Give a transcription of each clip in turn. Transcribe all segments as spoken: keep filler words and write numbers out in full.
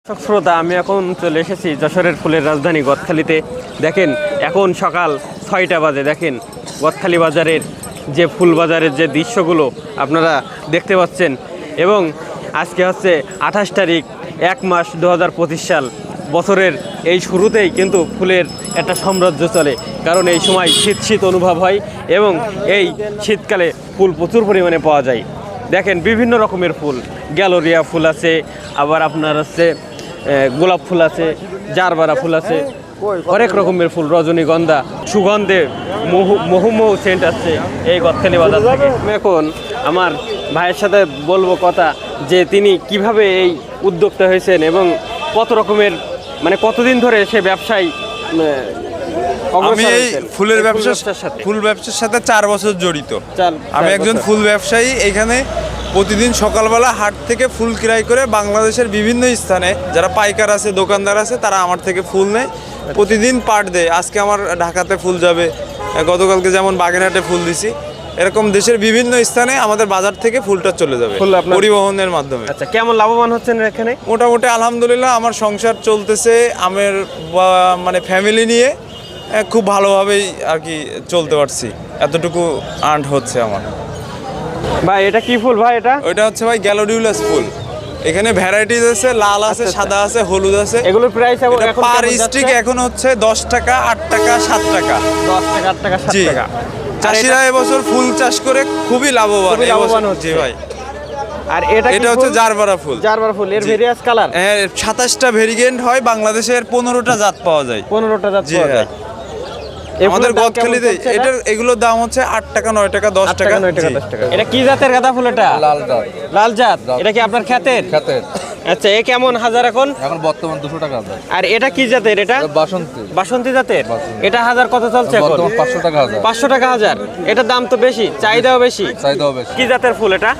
দর্শক শ্রোতা, আমি এখন চলে এসেছি যশোরের ফুলের রাজধানী গদখালিতে। দেখেন এখন সকাল ছয়টা বাজে। দেখেন গদখালি বাজারের যে ফুল বাজারের যে দৃশ্যগুলো আপনারা দেখতে পাচ্ছেন। এবং আজকে হচ্ছে আঠাশ তারিখ এক মাস দু হাজার পঁচিশ সাল। বছরের এই শুরুতেই কিন্তু ফুলের একটা সাম্রাজ্য চলে, কারণ এই সময় শীত শীত অনুভব হয় এবং এই শীতকালে ফুল প্রচুর পরিমাণে পাওয়া যায়। দেখেন বিভিন্ন রকমের ফুল, গ্যালোরিয়া ফুল আছে, আবার আপনার হচ্ছে গোলাপ ফুল আছে, জারবারা ফুল আছে, অনেক রকমের ফুল, রজনীগন্ধা, সুগন্ধে মহু মহুমহু সেন্ট আছে এই গদখালি বাজার থেকে। আমি এখন আমার ভাইয়ের সাথে বলবো কথা, যে তিনি কিভাবে এই উদ্যোক্তা হয়েছেন এবং কত রকমের মানে কতদিন ধরে সে ব্যবসায়। আমি এই ফুলের ব্যবসার সাথে ফুল ব্যবসার সাথে চার বছর জড়িত। আমি একজন ফুল ব্যবসায়ী। এখানে প্রতিদিন সকালবেলা হাট থেকে ফুল ক্রয় করে বাংলাদেশের বিভিন্ন স্থানে যারা পাইকার আছে, দোকানদার আছে, তারা আমার থেকে ফুল নেয়, প্রতিদিন পাট দেয়। আজকে আমার ঢাকাতে ফুল যাবে, গতকালকে যেমন বাগেরহাটে ফুল দিছি। এরকম দেশের বিভিন্ন স্থানে আমাদের বাজার থেকে ফুলটা চলে যাবে পরিবহনের মাধ্যমে। আচ্ছা, কেমন লাভবান হচ্ছেন এখানে? মোটামুটি আলহামদুলিল্লাহ, আমার সংসার চলতেছে। আমার মানে ফ্যামিলি নিয়ে খুব ভালোভাবেই আর কি চলতে পারছি, এতটুকু আর্ন হচ্ছে আমার। ভাই এটা কি ফুল ভাই? এটা ওইটা হচ্ছে ভাই গ্যালোডিউলাস ফুল। এখানে ভ্যারাইটিস আছে, লাল আছে, সাদা আছে, হলুদ আছে। এগুলোর প্রাইস এখন পার স্টিক এখন হচ্ছে দশ টাকা, আট টাকা, সাত টাকা। দশ টাকা, আট টাকা, সাত টাকা। চাষিরা এবছর ফুল চাষ করে খুবই লাভবান লাভবান হচ্ছে ভাই। আর এটা এটা হচ্ছে জারবারা ফুল। জারবারা ফুল এর ভেরিয়াস কালার, হ্যাঁ, সাতাশটা ভেরিয়েন্ট হয়। বাংলাদেশের পনেরোটা জাত পাওয়া যায়। পনেরোটা জাত পাওয়া যায় আমাদের গদখালিতে। এটার এগুলোর দাম হচ্ছে আট টাকা, নয় টাকা, দশ টাকা, নয় টাকা, দশ টাকা। এটা কি জাতের গাঁদা ফুল? এটা লাল জাত। লাল জাত। এটা কি আপনার ক্ষেতের? ক্ষেতের। আচ্ছা, এ কেমন হাজার এখন? এখন বর্তমান দুশো টাকা হাজার। আর এটা কি জাতের? এটা বাসন্তী। বাসন্তী জাতের। এটা হাজার কত চলছে এখন? বর্তমান পাঁচশো টাকা হাজার। পাঁচশো টাকা হাজার। এটার দাম তো বেশি, চাহিদাও বেশি। চাহিদাও বেশি। কি জাতের ফুল এটা?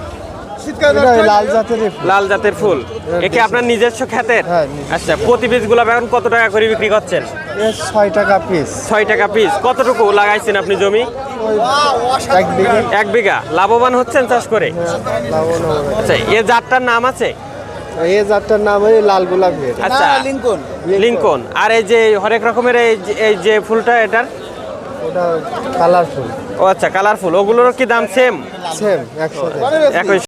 লাল জাতের লাল জাতের ফুল। একে আপনার নিজস্ব ক্ষেতের? আচ্ছা, প্রতি পিস গোলাপ এখন কত টাকা করে বিক্রি করছেন? ছয় টাকা পিস। ছয় টাকা পিস। কতটুকু লাগাইছেন আপনি জমি? এক বিঘা। এক বিঘা। লাভবান হচ্ছেন চাষ করে? আচ্ছা, এ জাতটার নাম আছে? এই জাতটার নাম হলো লাল গোলাপ। আচ্ছা, লিঙ্কন। লিঙ্কন। আর এই যে হরেক রকমের এই যে- এই যে ফুলটা, এটার ওটা কালারফুল। ও আচ্ছা, কালারফুল। ওগুলোর কি দাম সেম? সেম একসাথে। একই